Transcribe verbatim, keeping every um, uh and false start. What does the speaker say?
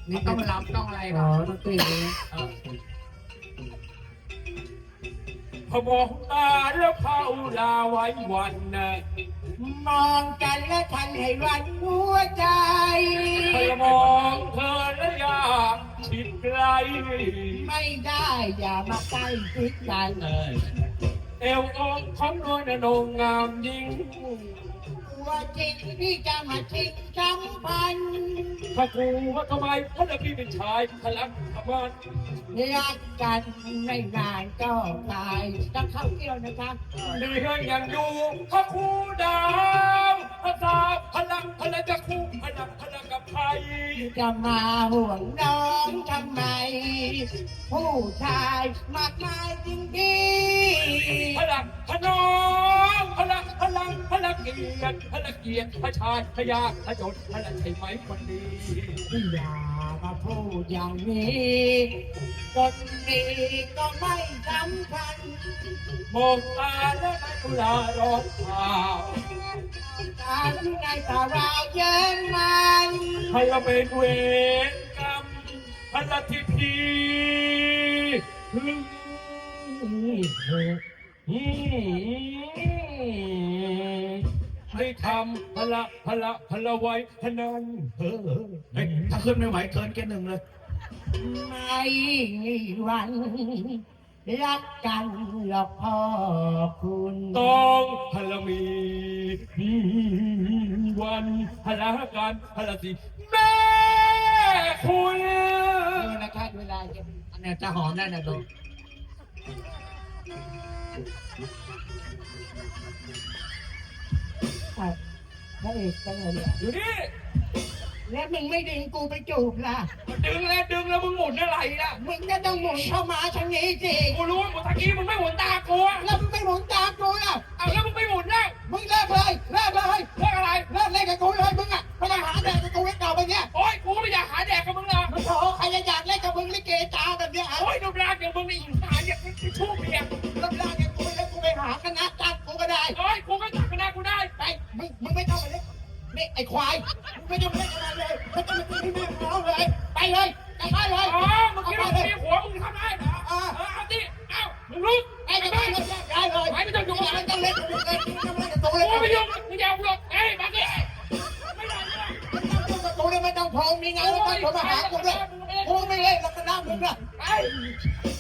นี่ต้องรำต้องอะไรอ๋ก่ออนดนตรีนะพอมองตาแล้วเผาลาไว้วันนะมองกันและทันให้วันหัวใจพอมองเธอแล้วอยากชิดไกลไม่ได้อย่ามาใกล้ชิดกันเอวองของนวลนงงามยิ่งตัวจริงที่จะมาชิงสัมพันธ์ถ้ากูว่าทำไมเพราะพี่เป็นชายพลังธรรมะรักกันไม่นานก็ตายต้องเข้าเที่ยวนะคะเหนื่อยอย่างอยู่พระครูดาวภาษาพลังพลังจะคู่พลังพลังกับใครจะมาห่วงน้องทำไม ผู้ชายมากมายจริงดีพลังพนองพลังพลังพลังเกียรติพลังเกียรติพระชายพยาพระจดพลังใช่ไหมคนดีอย่ามาพูดอย่างนี้คนดีก็ไม่สำคัญมองตาและนักลาร้อนเผาการที่ในตาราเยินมันให้เราเป็นเวรกรรมพลังที่พีให้ทำพละพละพละไว้พนันเฮ้ยถ้าขึ้นไม่ไหวเกินแค่หนึ่งเลยไม่มีวันรักกันหรอกพ่อคุณต้องพละมีวันพละกันพละสิแม่คุณดูนะคะเวลาจะอันเนี้ยจะหอมได้นะดูพระเอกจังเลยเนี่ยอยู่นี่แล้วมึงไม่ดึงกูไปจูบล่ะดึงแล้วดึงแล้วมึงหมุนอะไรล่ะมึงก็ต้องหมุนเข้ามาทางนี้สิกูรู้ว่าหมุนตะกี้มึงไม่หมุนตากูอะแล้วมึงไม่หมุนตามกูล่ะเอาแล้วมึงไม่หมุนแล้วมึงเลิกเลยเลิกเลยเรื่องอะไรเลิกเล่นกับกูเลยมึงอ่ะไม่ต้องหาแดกกับกูไว้เก่าไปเนี่ยโอ๊ยกูไม่อยากหาแดกกับมึงเลยมึงโถใครจะอยากเล่นกับมึงลิเกตาแบบเนี้ยฮะโอ๊ยดูร่างอย่างมึงนี่หาอย่างมึงชู้เมียรับร่างกับกูแล้วกูไปหาคณะจัดกูก็ได้โอ๊ยกูก็จับคณะกูได้ไปมึงมึงไม่ต้องมาเล่นนี่ไอ้ควายมึงไม่ต้องมาเล่นกับมันเลยไม่ต้องมาตีที่แม่ร้องเลยไปเลยกลับบ้านเลยอ๋อมึงคิดว่ามึงมีหัวมึงทำได้เหรอเออเอาดิเอ้ามึงลุกไปกลับบ้านเลยได้เลยไปไม่ต้องยุ่งไม่ต้องเล่นกับกูเลยไม่ต้องเล่นกับกูเลยกูไม่ยุ่งมึงอย่าเอาหรอกเอ้ยมาดิไม่ได้ไม่ได้ไม่ต้องยุ่งกับกูเลยไม่ต้องพงมีงานแล้วก็โทรมาหากูเลยกูไม่เล่นแล้วคณะมึงอ่ะไป